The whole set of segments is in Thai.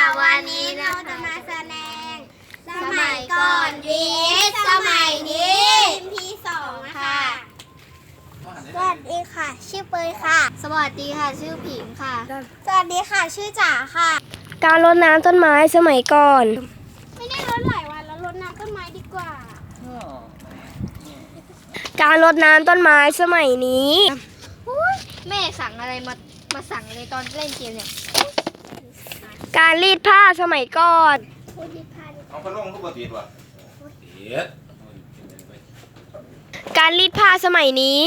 วันนี้เราจะมาแสดงสมัยก่อน vs สมัยนี้ที่2นะคะสวัสดีค่ะชื่อเปยค่ะสวัสดีค่ะชื่อผิงค่ะสวัสดีค่ะชื่อจ๋าค่ะการรดน้ำต้นไม้สมัยก่อนไม่ได้รดหลายวันแล้วรดน้ำต้นไม้ดีกว่าการรดน้ำต้นไม้สมัยนี้แม่สั่งอะไรมาสั่งเลยตอนเล่นเกมเนี่ยการรีดผ้าสมัยก่อนเอาพัดลมทุกปฏิทินวะการรีดผ้าสมัยนี้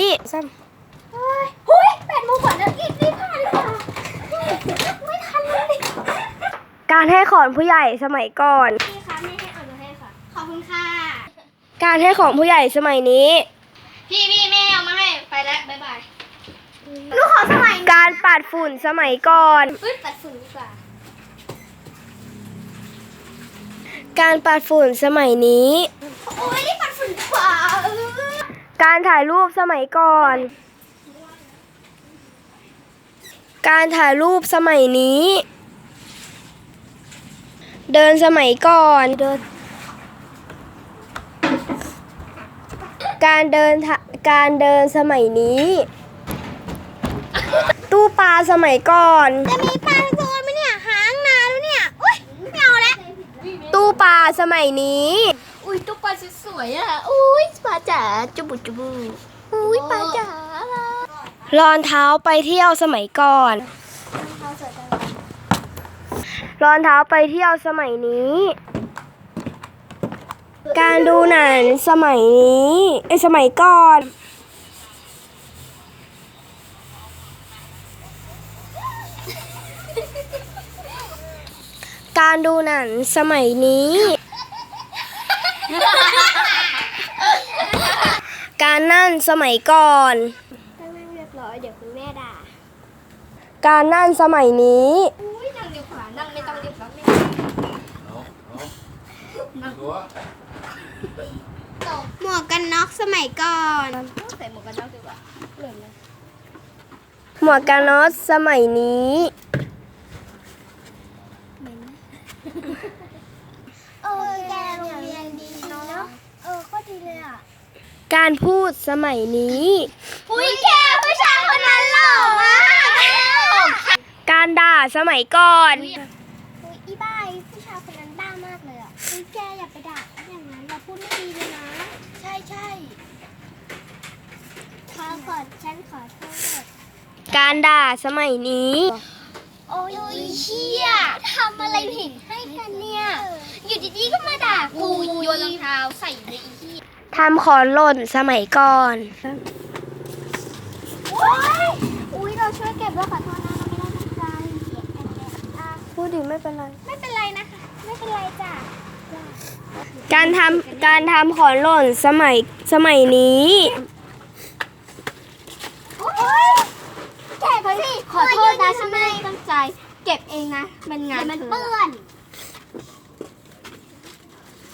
8 โมงกว่าแล้วรีบผ้าดีกว่าไม่ทันเลยการให้ของผู้ใหญ่สมัยก่อนพี่คะไม่ให้เอาหนูให้ค่ะขอบคุณค่ะการให้ของผู้ใหญ่สมัยนี้พี่แม่เอามาให้ไปแล้วบ๊ายบายหนูขอสมัยการปัดฝุ่นสมัยก่อนปัดฝุ่นดีกว่าการปัดฝุ่นสมัยนี้โอ้ยรีบปัดฝุ่นดีกว่าการถ่ายรูปสมัยก่อนการถ่ายรูปสมัยนี้เดินสมัยก่อนการเดินสมัยนี้ตู้ปลาสมัยก่อนจะมีปลาโซนไหมเนี่ยหางนานแล้วเนี่ยอุ้ยไม่เอาแล้วตู้ปลาสมัยนี้อุ้ยตู้ปลาสวยๆอ่ะอุ้ยปลาจ๋าจุบุอุ้ยปลาจ๋ารองเท้าไปเที่ยวสมัยก่อนรองเท้าไปเที่ยวสมัยนี้การดูหนังสมัยนี้สมัยก่อนการดูหนังสมัยนี้การนั่งสมัยก่อนต้องนั่งเรียบร้อยเดี๋ยวคุณแม่ด่าการนั่งสมัยนี้อุ้ยนั่งเรียบร้อยนั่งไม่ต้องเรียบร้อยหมวกกันน็อกสมัยก่อนใส่หมวกกันน็อกดีกว่าเหลือไหมหมวกกันน็อกสมัยนี้แกโรงเรียนดีเนาะก็ดีเลยอ่ะการพูดสมัยนี้อุ้ยแกผู้ชายคนนั้นหล่อมากการด่าสมัยก่อนอีบ้าผู้ชายคนนั้นด่ามากเลยอ่ะอุ้ยแกอย่าไปด่าอย่างนั้นเราพูดไม่ดีเลยนะใช่ฉันขอโทษการด่าสมัยนี้โอ้ยเชี่ยทำอะไรผิดให้กันเนี่ยอยู่ดีๆก็มาด่ากูโยนรองเท้าใส่ในอีที่ทำของหล่นสมัยก่อนอุ้ยเราช่วยเก็บด้วยขอโทษนะเราไม่ได้ตั้งใจพูดดิไม่เป็นไรนะคะไม่เป็นไรจ้ะการทำของหล่นสมัยนี้เก็บสิขอโทษนะฉันไม่ได้ตั้งใจเก็บเองนะมันงานมันเปื้อน